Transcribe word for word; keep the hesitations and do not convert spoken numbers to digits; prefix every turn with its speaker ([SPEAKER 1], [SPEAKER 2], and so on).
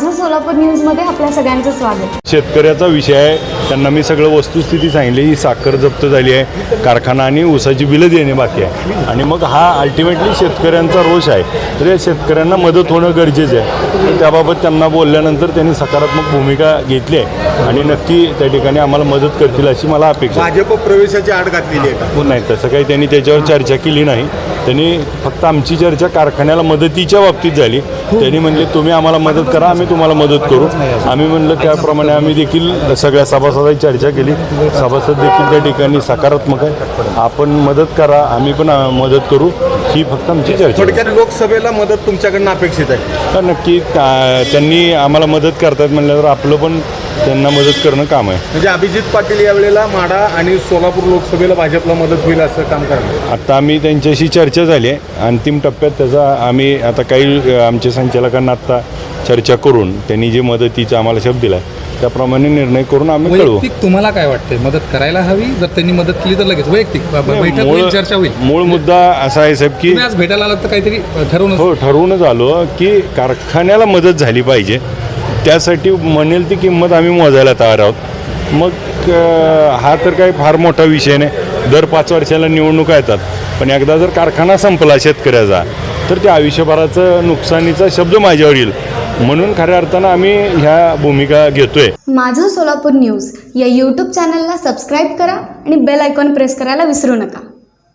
[SPEAKER 1] माझं सोलापूर न्यूजमध्ये आपल्या सगळ्यांचं स्वागत।
[SPEAKER 2] शेतकऱ्याचा विषय आहे, त्यांना मी सगळं वस्तुस्थिती सांगितली। ही साखर जप्त झाली आहे, कारखाना आणि ऊसाची बिलं देणे बाकी आहे आणि मग हा अल्टिमेटली शेतकऱ्यांचा रोष आहे। तर या शेतकऱ्यांना मदत होणं गरजेचं आहे। तर त्याबाबत त्यांना बोलल्यानंतर त्यांनी सकारात्मक भूमिका घेतली आहे आणि नक्की त्या ठिकाणी आम्हाला मदत करतील अशी मला अपेक्षा आहे।
[SPEAKER 3] भाजप प्रवेशाची आड घातलेली आहे
[SPEAKER 2] नाही, तसं काही त्यांनी त्याच्यावर चर्चा केली नाही। त्यांनी फक्त आमची चर्चा कारखान्याला मदतीच्या बाबतीत झाली। त्यांनी म्हणले तुम्ही आम्हाला मदत करा, आम्ही तुम्हाला मदत करू। आम्ही म्हणलं त्याप्रमाणे आम्ही देखील सगळ्या सभासदांची चर्चा केली। सभासद देखील त्या ठिकाणी सकारात्मक आहे, आपण मदत करा, आम्ही पण मदत करू, ही फक्त आमची चर्चा।
[SPEAKER 3] थोडक्यात लोकसभेला मदत तुमच्याकडनं अपेक्षित आहे
[SPEAKER 2] तर नक्की त्यांनी आम्हाला मदत करतात म्हणल्यावर आपलं पण त्यांना मदत करणं काम आहे।
[SPEAKER 3] म्हणजे अभिजित पाटील यावेळेला माढा आणि सोलापूर लोकसभेला भाजपला मदत होईल असं काम करणार।
[SPEAKER 2] आता आम्ही त्यांच्याशी चर्चा झाली आहे, अंतिम टप्प्यात त्याचा आम्ही आता काही आमच्या संचालकांना आत्ता चर्चा करून त्यांनी जे मदतीचा आम्हाला शब्द दिला त्याप्रमाणे निर्णय करून आम्ही कळवू।
[SPEAKER 4] वैयक्तिक तुम्हाला काय वाटतंय, मदत करायला हवी? जर त्यांनी मदत केली तर लगेच वैयक्तिक बैठक होईल, चर्चा होईल।
[SPEAKER 2] मूळ मुद्दा असा आहे साहेब की
[SPEAKER 4] तुम्ही आज भेटायला आलात तर काहीतरी ठरवून
[SPEAKER 2] हो ठरवूनच आलो की कारखान्याला मदत झाली पाहिजे, त्यासाठी म्हणेल ती किंमत आम्ही मोजायला तयार आहोत। मग हा तर काही फार मोठा विषय नाही, दर पाच वर्षाला निवडणुका येतात, पण एकदा जर कारखाना संपला शेतकऱ्याचा तर त्या आयुष्यभराचं नुकसानीचा शब्द माझ्यावर येईल, म्हणून खऱ्या अर्थानं आम्ही ह्या भूमिका घेतोय।
[SPEAKER 1] माझं सोलापूर न्यूज या यूट्यूब चॅनलला सबस्क्राईब करा आणि बेल आयकॉन प्रेस करायला विसरू नका।